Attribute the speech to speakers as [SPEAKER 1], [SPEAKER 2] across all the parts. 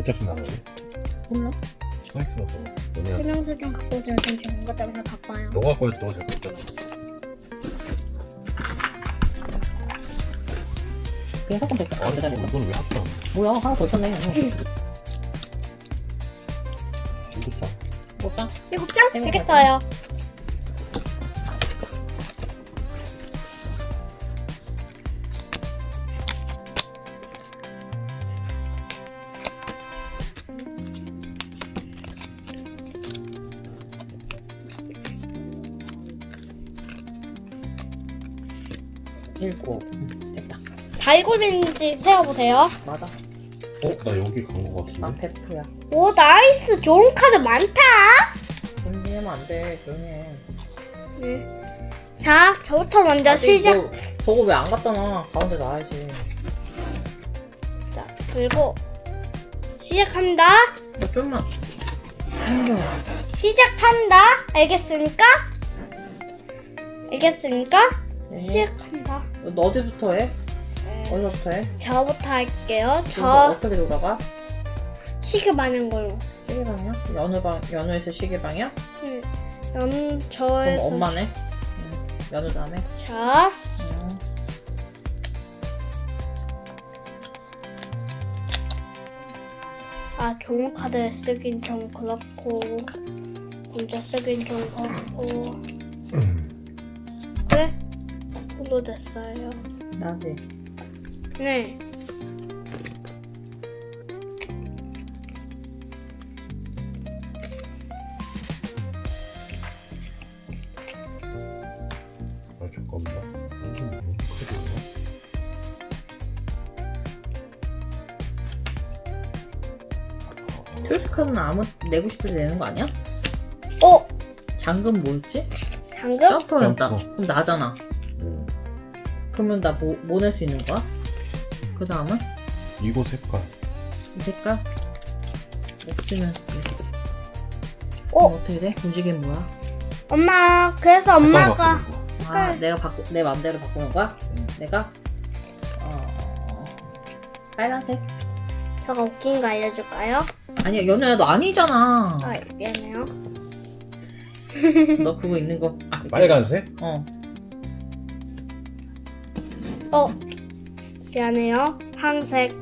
[SPEAKER 1] 어차피 나가지?
[SPEAKER 2] 몰라?
[SPEAKER 1] 서있어 또 너네가
[SPEAKER 3] 설명서좀 갖고 오세요. 전 지금 것 때문에 바빠요.
[SPEAKER 1] 너가 거에 또 잘못 있잖아.
[SPEAKER 2] 그냥 섞으면 됐다. 안 되다니까.
[SPEAKER 1] 이건 왜 합쳐?
[SPEAKER 2] 뭐야, 하나 더 있었네.
[SPEAKER 1] 이것도
[SPEAKER 2] 뭐다?
[SPEAKER 3] 7장? 되겠어요.
[SPEAKER 2] 일곱. 됐다.
[SPEAKER 3] 발굴인지 세어보세요.
[SPEAKER 2] 맞아.
[SPEAKER 1] 나 여기 간 거
[SPEAKER 2] 아,
[SPEAKER 1] 같은데?
[SPEAKER 2] 베프야.
[SPEAKER 3] 오, 나이스. 좋은 카드 많다.
[SPEAKER 2] 분리하면 안 돼. 조용히 해.
[SPEAKER 3] 네. 자, 저부터 먼저
[SPEAKER 2] 아직
[SPEAKER 3] 시작.
[SPEAKER 2] 너 저거 왜 안 갖다 놔? 가운데 놔야지.
[SPEAKER 3] 자, 그리고 시작한다.
[SPEAKER 2] 너 좀만 당겨.
[SPEAKER 3] 시작한다. 알겠습니까? 알겠습니까?
[SPEAKER 2] 네.
[SPEAKER 3] 시작한다.
[SPEAKER 2] 너 어디부터 해? 어디서부터 해?
[SPEAKER 3] 저부터 할게요.
[SPEAKER 2] 이거
[SPEAKER 3] 저
[SPEAKER 2] 어떻게 돌아가?
[SPEAKER 3] 시계 많은 걸로.
[SPEAKER 2] 시계방이야? 연우에서 시계방이야? 그럼
[SPEAKER 3] 저에서
[SPEAKER 2] 엄마네? 연우 다음에?
[SPEAKER 3] 자,
[SPEAKER 2] 응.
[SPEAKER 3] 아, 좋은 카드 쓰긴 좀 그렇고 혼자 쓰긴 좀 그렇고 네? 정도 됐어요.
[SPEAKER 2] 나지?
[SPEAKER 3] 네.
[SPEAKER 1] 잠깐만. 이게 뭔 카드야?
[SPEAKER 2] 트위스 카드는 아무 내고 싶을 때 내는 거 아니야?
[SPEAKER 3] 어?
[SPEAKER 2] 잠금 뭐였지?
[SPEAKER 3] 방금?
[SPEAKER 2] 점프였다.
[SPEAKER 1] 점프.
[SPEAKER 2] 그럼 나잖아.
[SPEAKER 1] 응.
[SPEAKER 2] 그러면 나 뭐 낼 수 있는 거야? 그 다음은?
[SPEAKER 1] 이거 색깔.
[SPEAKER 2] 이 색깔? 없으면
[SPEAKER 3] 어?
[SPEAKER 2] 어떻게 돼? 움직임 뭐야?
[SPEAKER 3] 엄마, 그래서
[SPEAKER 1] 색깔
[SPEAKER 3] 엄마가
[SPEAKER 1] 바꾸는 거.
[SPEAKER 2] 아,
[SPEAKER 3] 색깔
[SPEAKER 2] 내 맘대로 바꾸는 거야?
[SPEAKER 1] 응.
[SPEAKER 2] 내가? 빨간색?
[SPEAKER 3] 제가 웃긴 거 알려줄까요?
[SPEAKER 2] 아니야, 연우야, 너 아니잖아.
[SPEAKER 3] 아, 미안해요.
[SPEAKER 2] 너 그거 있는 거.
[SPEAKER 1] 빨간색?
[SPEAKER 2] 어.
[SPEAKER 3] 미안해요. 황색.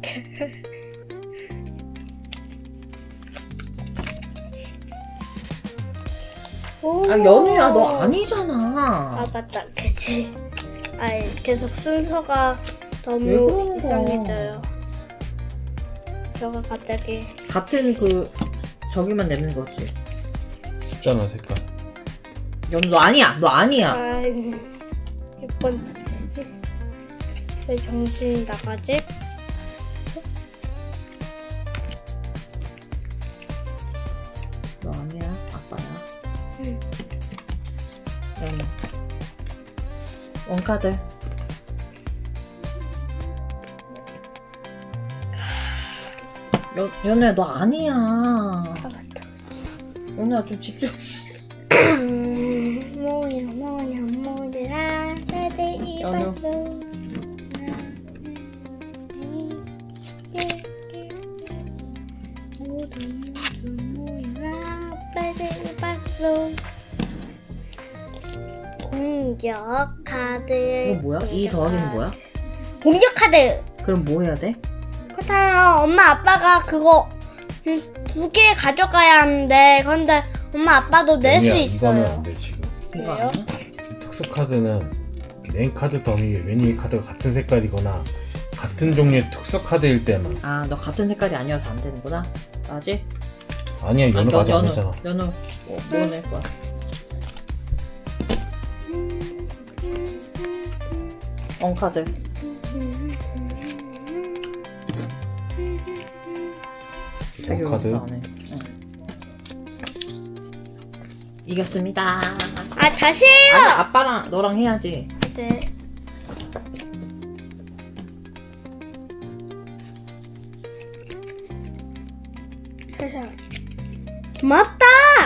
[SPEAKER 2] 아, 연우야, 너
[SPEAKER 3] 아,
[SPEAKER 2] 아니잖아.
[SPEAKER 3] 맞다. 그치. 아, 계속 순서가
[SPEAKER 2] 왜
[SPEAKER 3] 너무
[SPEAKER 2] 그러는 거야?
[SPEAKER 3] 이상해져요. 제가 갑자기
[SPEAKER 2] 같은 저기만 내는 거지.
[SPEAKER 1] 숫자나 색깔.
[SPEAKER 2] 연우, 너 아니야. 너 아니야.
[SPEAKER 3] 아, 몇 번째지? 왜 정신이 나가지?
[SPEAKER 2] 너 아니야. 아빠야.
[SPEAKER 3] 응.
[SPEAKER 2] 연우. 원카드. 연우야, 너 아니야.
[SPEAKER 3] 아, 맞다.
[SPEAKER 2] 연우야, 좀 집중.
[SPEAKER 3] 뭐야 빼대
[SPEAKER 2] 연우.
[SPEAKER 3] 이발소 모두 빼대 이발소 공격 카드.
[SPEAKER 2] 이거 뭐야? 이 더하기는 뭐야?
[SPEAKER 3] 공격 카드.
[SPEAKER 2] 그럼 뭐 해야 돼?
[SPEAKER 3] 그렇다요. 엄마 아빠가 그거 2개 가져가야 하는데 근데 엄마 아빠도 낼 수
[SPEAKER 1] 아니야, 이거는
[SPEAKER 3] 있어요.
[SPEAKER 1] 안 돼, 지금.
[SPEAKER 2] 이거
[SPEAKER 3] 왜요?
[SPEAKER 2] 아니야?
[SPEAKER 1] 특수 카드는 메인 카드 더미 웬이 카드가 같은 색깔이거나 같은 종류의 특수 카드일 때만.
[SPEAKER 2] 아, 너 같은 색깔이 아니어서 안 되는구나. 나지?
[SPEAKER 1] 아니야, 연우가 아직 안 했잖아.
[SPEAKER 2] 연우. 뭐 낼 거야? 원카드. 자기
[SPEAKER 1] 카드.
[SPEAKER 2] 원카드 안 해. 응. 이겼습니다.
[SPEAKER 3] 아 다시 해요.
[SPEAKER 2] 아니, 아빠랑 너랑 해야지.
[SPEAKER 3] 네. 맞다.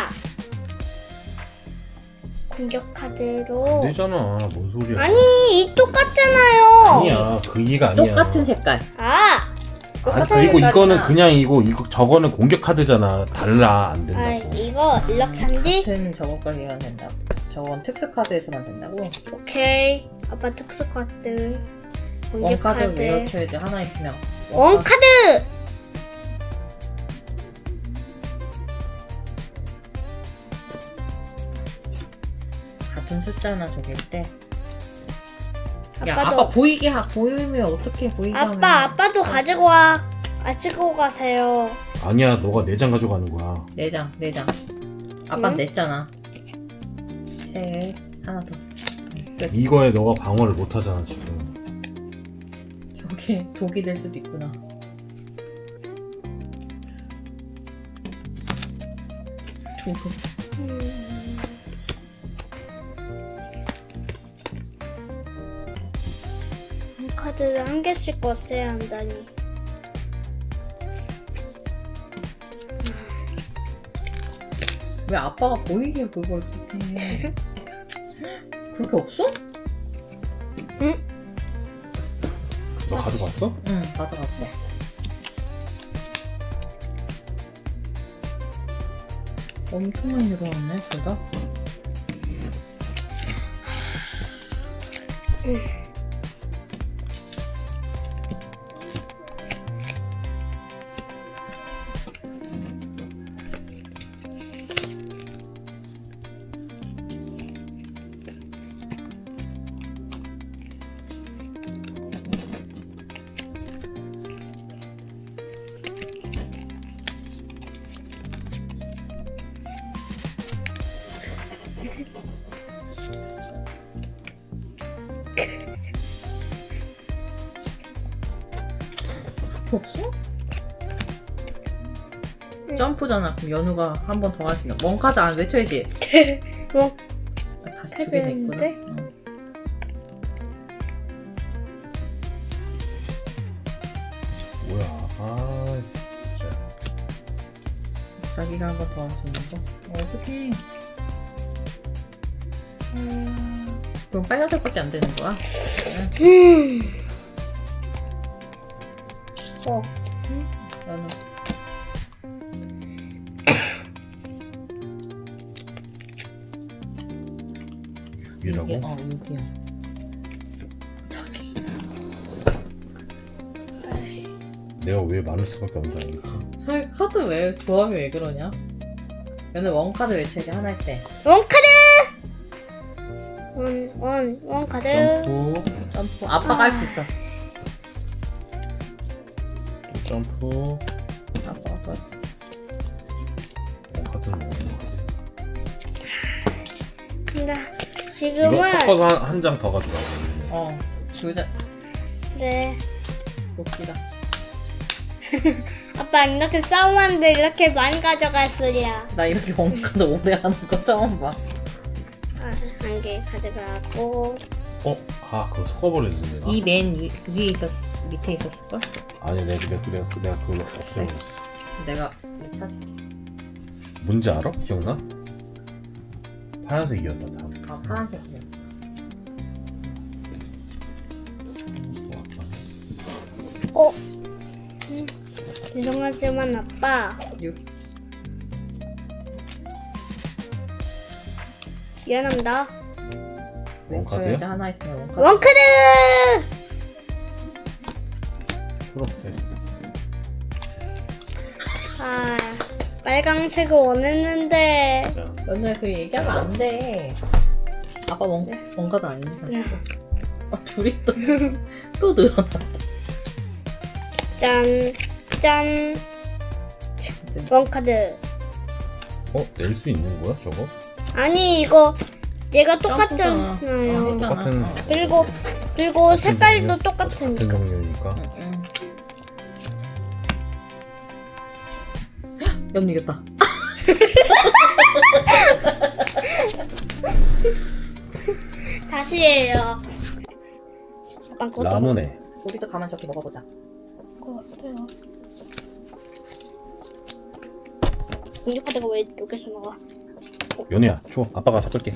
[SPEAKER 3] 공격 카드로.
[SPEAKER 1] 안 되잖아. 뭔 소리야.
[SPEAKER 3] 아니 이 똑같잖아요.
[SPEAKER 1] 아니야, 그 이해가 아니야.
[SPEAKER 2] 똑같은 색깔.
[SPEAKER 3] 아
[SPEAKER 1] 아니
[SPEAKER 2] 똑같은
[SPEAKER 1] 그리고 이거는
[SPEAKER 2] 색깔이나
[SPEAKER 1] 그냥 이거 저거는 공격 카드잖아. 달라 안
[SPEAKER 3] 아
[SPEAKER 1] 된다고.
[SPEAKER 3] 이거 이렇게 한뒤
[SPEAKER 2] 같은 저거까지만 된다고. 저건 특수 카드에서만 된다고.
[SPEAKER 3] 오케이. 아빠 특수 카드. 공격
[SPEAKER 2] 원카드
[SPEAKER 3] 카드.
[SPEAKER 2] 외워쳐야지 하나 있으면.
[SPEAKER 3] 원 카드.
[SPEAKER 2] 같은 숫자나 저길 때. 야
[SPEAKER 3] 아빠도
[SPEAKER 2] 아빠 보이게 보이면 어떻게 보이게 하면.
[SPEAKER 3] 아빠도 가지고 와. 가지고 가세요.
[SPEAKER 1] 아니야 너가 4장 가져가는 거야.
[SPEAKER 2] 4장. 아빠
[SPEAKER 3] 응?
[SPEAKER 2] 냈잖아. 셋 하나 더. 끝.
[SPEAKER 1] 이거에 너가 방어를 못 하잖아 지금.
[SPEAKER 2] 저게 독이 될 수도 있구나. 두고.
[SPEAKER 3] 카드를 한 개씩 꺼내야 한다니.
[SPEAKER 2] 왜 아빠가 보이게 그걸 그렇게 해? 그렇게 없어?
[SPEAKER 1] 너 가져갔어?
[SPEAKER 2] 응 가져갔어. 엄청 많이 늘어났네 둘 다. 없어? 점프잖아. 그럼 연우가 한 번 더 할 수 있나? 원카드 안 외쳐야지.
[SPEAKER 3] 원
[SPEAKER 2] 다시
[SPEAKER 3] 카드
[SPEAKER 2] 두개 됐구나.
[SPEAKER 3] 했는데?
[SPEAKER 2] 응.
[SPEAKER 1] 뭐야? 아 진짜.
[SPEAKER 2] 자기가 한 번 더 할 수 있는 거? 어떡해. 그럼 빨간색밖에 안 되는 거야?
[SPEAKER 3] 어.
[SPEAKER 2] 연우.
[SPEAKER 1] 이라고?
[SPEAKER 2] 6이야. 저기.
[SPEAKER 1] 내가 왜 많을 수밖에 없는지 알겠지?
[SPEAKER 2] 저기 카드 왜 조합이 왜 그러냐? 연우 원카드 외쳐야지 하나 할 때.
[SPEAKER 3] 원 카드. 원 카드.
[SPEAKER 1] 점프,
[SPEAKER 2] 점프. 아빠가 할 수 있어.
[SPEAKER 1] 또 점프.
[SPEAKER 2] 아빠가 할 수 있어.
[SPEAKER 1] 카드는 뭐?
[SPEAKER 3] 근데
[SPEAKER 1] 이거
[SPEAKER 3] 지금은
[SPEAKER 1] 섞어서 한 장 더 가져가.
[SPEAKER 2] 두 장.
[SPEAKER 3] 네.
[SPEAKER 2] 웃기다.
[SPEAKER 3] 아빠 이렇게 싸움하는데 이렇게 많이 가져갔으랴.
[SPEAKER 2] 나 이렇게 원카드 오래 하는 거 처음 봐.
[SPEAKER 3] 한 개 가져가고.
[SPEAKER 1] 아 그거 섞어버렸지 내가.
[SPEAKER 2] 이 맨 위에 있었 밑에 있었을걸?
[SPEAKER 1] 아니 내가 그걸 없애버렸어.
[SPEAKER 2] 내가 이 찾을게.
[SPEAKER 1] 뭔지 알아? 기억나? 파란색이었다 다.
[SPEAKER 2] 아 파란색이었어.
[SPEAKER 3] 죄송하지만 아빠
[SPEAKER 2] 6.
[SPEAKER 3] 미안합니다.
[SPEAKER 1] 원카드요?
[SPEAKER 2] 외쳐야지 하나 있으면 원카드.
[SPEAKER 3] 원 카드.
[SPEAKER 1] 초록색.
[SPEAKER 3] 아 빨강색을 원했는데.
[SPEAKER 1] 자,
[SPEAKER 2] 연우야 그 얘기하면 안 돼. 아빠 원카드 아니니까.
[SPEAKER 3] 네.
[SPEAKER 2] 둘이 또 늘어났다.
[SPEAKER 3] 짠. 원 카드.
[SPEAKER 1] 낼 수 있는 거야 저거?
[SPEAKER 3] 아니 이거 얘가
[SPEAKER 2] 점프잖아.
[SPEAKER 3] 똑같잖아요.
[SPEAKER 2] 했잖아.
[SPEAKER 1] 똑같은-
[SPEAKER 3] 그리고 색깔도
[SPEAKER 1] 같은
[SPEAKER 3] 똑같으니까.
[SPEAKER 1] 종류니까.
[SPEAKER 2] 응. 연우 이겼다.
[SPEAKER 3] 다시 해요. 아빠 그것도
[SPEAKER 1] 라무네.
[SPEAKER 2] 우리도 가만 저기 먹어보자.
[SPEAKER 3] 그래요. 공격 카드가 왜 여기서 나와?
[SPEAKER 1] 연우야 줘. 아빠가 섞을게.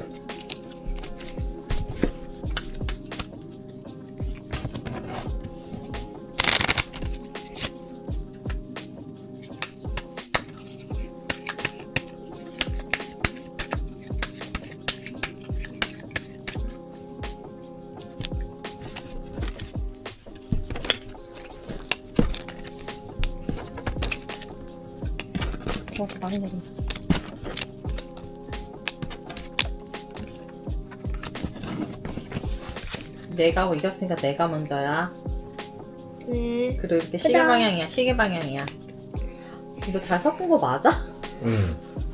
[SPEAKER 2] 많이 내린다. 내가 이겼으니까 내가 먼저야.
[SPEAKER 3] 네.
[SPEAKER 2] 그리고 이렇게 시계
[SPEAKER 3] 짜잔.
[SPEAKER 2] 방향이야. 시계 방향이야. 이거 잘 섞은 거 맞아?
[SPEAKER 1] 응.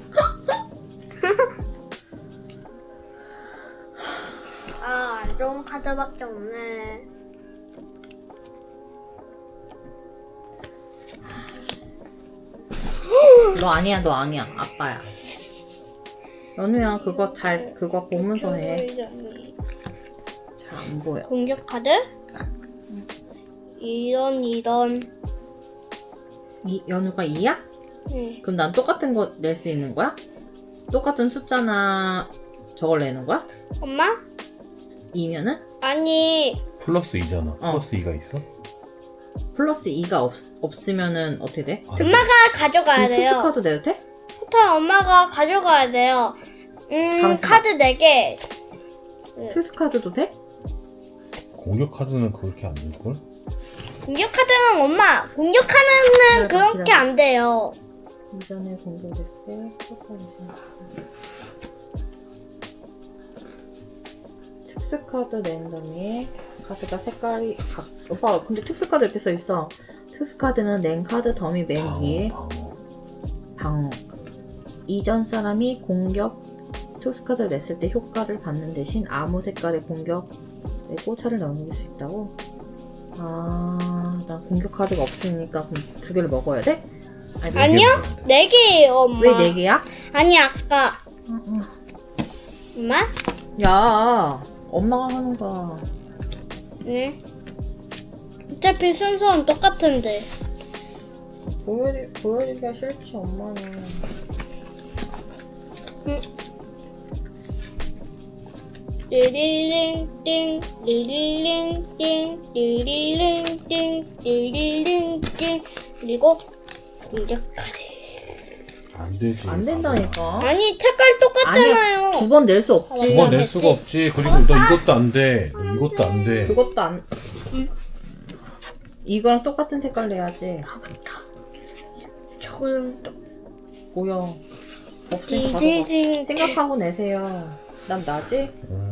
[SPEAKER 3] 아, 안 좋은 카드밖에 없네.
[SPEAKER 2] 너 아니야, 너 아니야. 아빠야. 연우야, 그거 보면서 해. 잘 안 보여.
[SPEAKER 3] 공격 카드? 이런.
[SPEAKER 2] 연우가 2야?
[SPEAKER 3] 네.
[SPEAKER 2] 그럼 난 똑같은 거 낼 수 있는 거야? 똑같은 숫자나 저걸 내는 거야?
[SPEAKER 3] 엄마?
[SPEAKER 2] 2면은?
[SPEAKER 3] 아니,
[SPEAKER 1] 플러스 2잖아. 플러스 2가 있어?
[SPEAKER 2] 플러스 2가 없으면은 어떻게 돼?
[SPEAKER 1] 아,
[SPEAKER 3] 엄마가 가져가야 돼요.
[SPEAKER 2] 투스카드 내도 돼?
[SPEAKER 3] 토탈 엄마가 가져가야 돼요.
[SPEAKER 2] 있어봐.
[SPEAKER 3] 카드 4개.
[SPEAKER 2] 투스카드도 돼?
[SPEAKER 1] 공격 카드는 그렇게 안 될걸?
[SPEAKER 3] 공격 카드는 엄마, 공격 카드는
[SPEAKER 2] 기다려,
[SPEAKER 3] 그렇게
[SPEAKER 2] 기다려.
[SPEAKER 3] 안 돼요.
[SPEAKER 2] 이전에 공격했을 때 특수카드 랜덤이 카드가 색깔이 오빠 근데 특수카드 이렇게 써있어. 특수카드는 낸 카드 더미 맨 위에 방어. 이전 사람이 공격 특수카드를 냈을 때 효과를 받는 대신 아무 색깔의 공격 내고 차를 넘길 수 있다고? 아, 나 공격 카드가 없으니까 그럼 2개를 먹어야 돼? 아니,
[SPEAKER 3] 아니요? 4개예요, 엄마.
[SPEAKER 2] 왜 4개야?
[SPEAKER 3] 아니, 아까. 엄마?
[SPEAKER 2] 야, 엄마가 하는 거야.
[SPEAKER 3] 네. 어차피 순서는 똑같은데.
[SPEAKER 2] 보여주기가 싫지, 엄마는.
[SPEAKER 3] 띠리링띵, 띠리링띵, 띠리링띵, 띠리링띵. 그리고 공격 카드.
[SPEAKER 1] 안 되지.
[SPEAKER 2] 안 된다니까.
[SPEAKER 3] 아니, 색깔 똑같잖아요.
[SPEAKER 2] 2번 낼 수 없지.
[SPEAKER 1] 두 번 낼 수가 없지. 그리고 너 이것도 안 돼. 너 이것도 안 돼.
[SPEAKER 2] 그것도 안. 이거랑 똑같은 색깔 내야지.
[SPEAKER 3] 저거는 또.
[SPEAKER 2] 뭐야. 없으니까 가져가.
[SPEAKER 3] 띠리링.
[SPEAKER 2] 생각하고 내세요. 난 나지?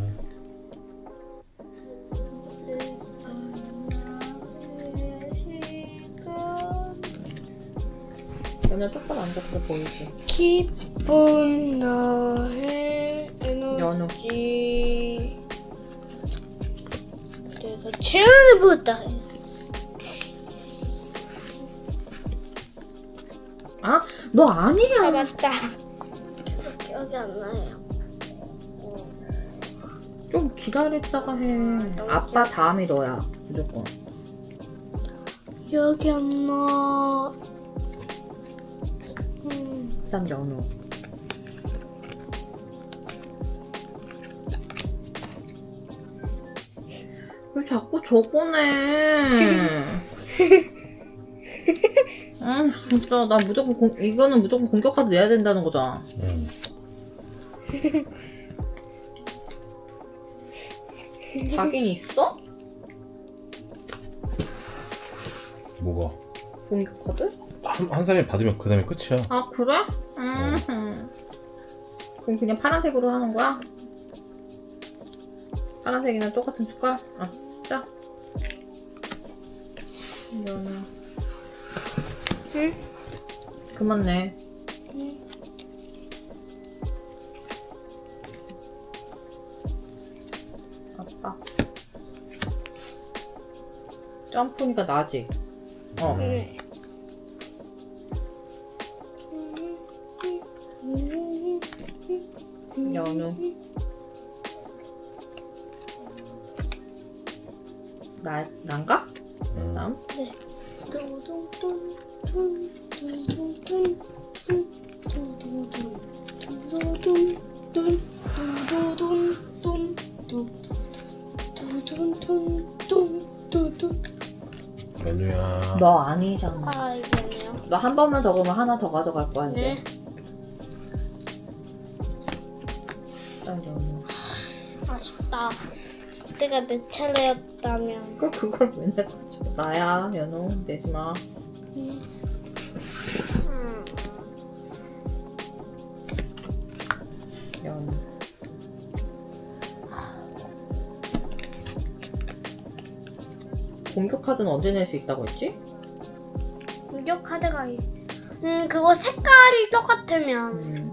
[SPEAKER 2] 연애 똑바로 앉았어 보이지?
[SPEAKER 3] 기쁜 나의
[SPEAKER 2] 연우.
[SPEAKER 3] 에너지. 그래서 채우는 보다.
[SPEAKER 2] 아, 너 아니야.
[SPEAKER 3] 아, 맞다. 계속 기억이 안 나요.
[SPEAKER 2] 좀 기다렸다가 해. 아빠 다음이 너야. 무조건.
[SPEAKER 3] 기억이 안 나.
[SPEAKER 2] 일단 연우. 왜 자꾸 저거네? 진짜 나 무조건 이거는 무조건 공격 카드 내야 된다는 거잖아.
[SPEAKER 1] 응.
[SPEAKER 2] 자긴 있어?
[SPEAKER 1] 뭐가?
[SPEAKER 2] 공격 카드?
[SPEAKER 1] 한 사람이 받으면 그 다음에 끝이야.
[SPEAKER 2] 아 그래? 그럼 그냥 파란색으로 하는 거야? 파란색이랑 똑같은 숫자? 아 숫자? 이거는
[SPEAKER 3] 응?
[SPEAKER 2] 그만 내.
[SPEAKER 3] 응.
[SPEAKER 2] 아빠 점프니까 나지? 어.
[SPEAKER 3] 네.
[SPEAKER 2] 연우 난가? 다음?
[SPEAKER 1] 연우야.
[SPEAKER 2] 너 아니잖아.
[SPEAKER 3] 아, 이거네요.
[SPEAKER 2] 너 한 번만 더 그러면 하나 더 가져갈 거야 이제.
[SPEAKER 3] 네.
[SPEAKER 2] 일단 연우.
[SPEAKER 3] 아쉽다. 그때가 내 차례였다면.
[SPEAKER 2] 그걸 왜 내가 가져? 나야 연우 내지 마. 연. 공격 카드는 언제 낼 수 있다고 했지?
[SPEAKER 3] 공격 카드가 그거 색깔이 똑같으면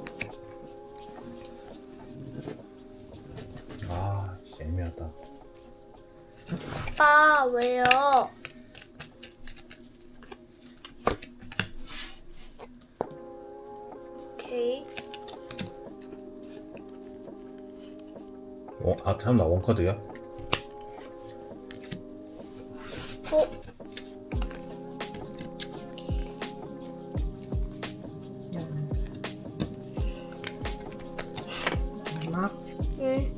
[SPEAKER 1] 아, 진짜 애매하다.
[SPEAKER 3] 아빠 왜요? 오케이.
[SPEAKER 1] 아, 참나, 원카드야?
[SPEAKER 2] 연. 마지막.
[SPEAKER 3] 응.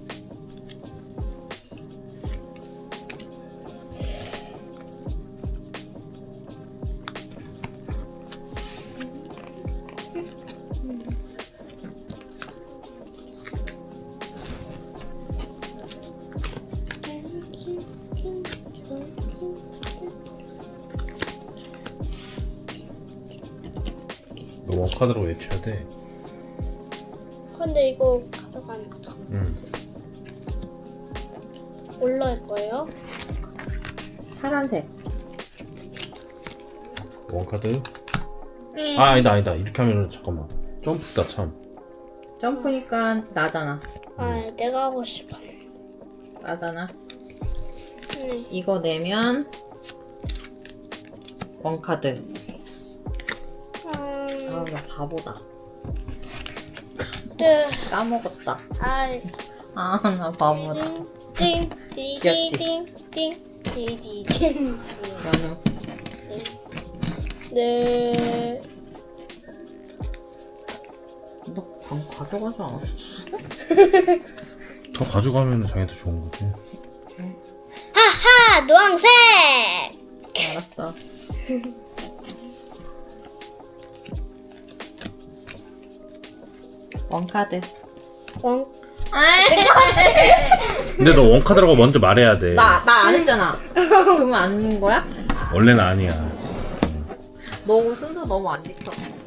[SPEAKER 1] 너 원카드로 외쳐야 돼.
[SPEAKER 3] 근데 이거 가져가니까
[SPEAKER 1] 응.
[SPEAKER 3] 올라올 거예요?
[SPEAKER 2] 파란색.
[SPEAKER 1] 원카드.
[SPEAKER 3] 응.
[SPEAKER 1] 아, 아니다. 이렇게 하면은, 잠깐만. 점프다, 참.
[SPEAKER 2] 점프니까 나잖아.
[SPEAKER 3] 아, 내가 하고 싶어.
[SPEAKER 2] 나잖아.
[SPEAKER 3] 네.
[SPEAKER 2] 이거 내면 원카드. 아, 나 바보다.
[SPEAKER 3] 네.
[SPEAKER 2] 까먹었다.
[SPEAKER 3] 아이.
[SPEAKER 2] 아, 나 바보다.
[SPEAKER 3] 띵, 띵, 띵, 띵.
[SPEAKER 2] 연우.
[SPEAKER 3] 네.
[SPEAKER 2] 너 방 가져가지 않았어?
[SPEAKER 1] 더 가져가면 자기한테 좋은 거지.
[SPEAKER 3] 하하, 노란색.
[SPEAKER 2] 알았어. 원카드.
[SPEAKER 3] 원.
[SPEAKER 1] 근데 너 원카드라고 먼저 말해야 돼.
[SPEAKER 2] 나 안 했잖아. 그러면 아닌 거야?
[SPEAKER 1] 원래는 아니야.
[SPEAKER 2] 너 순서 너무 안 지켜.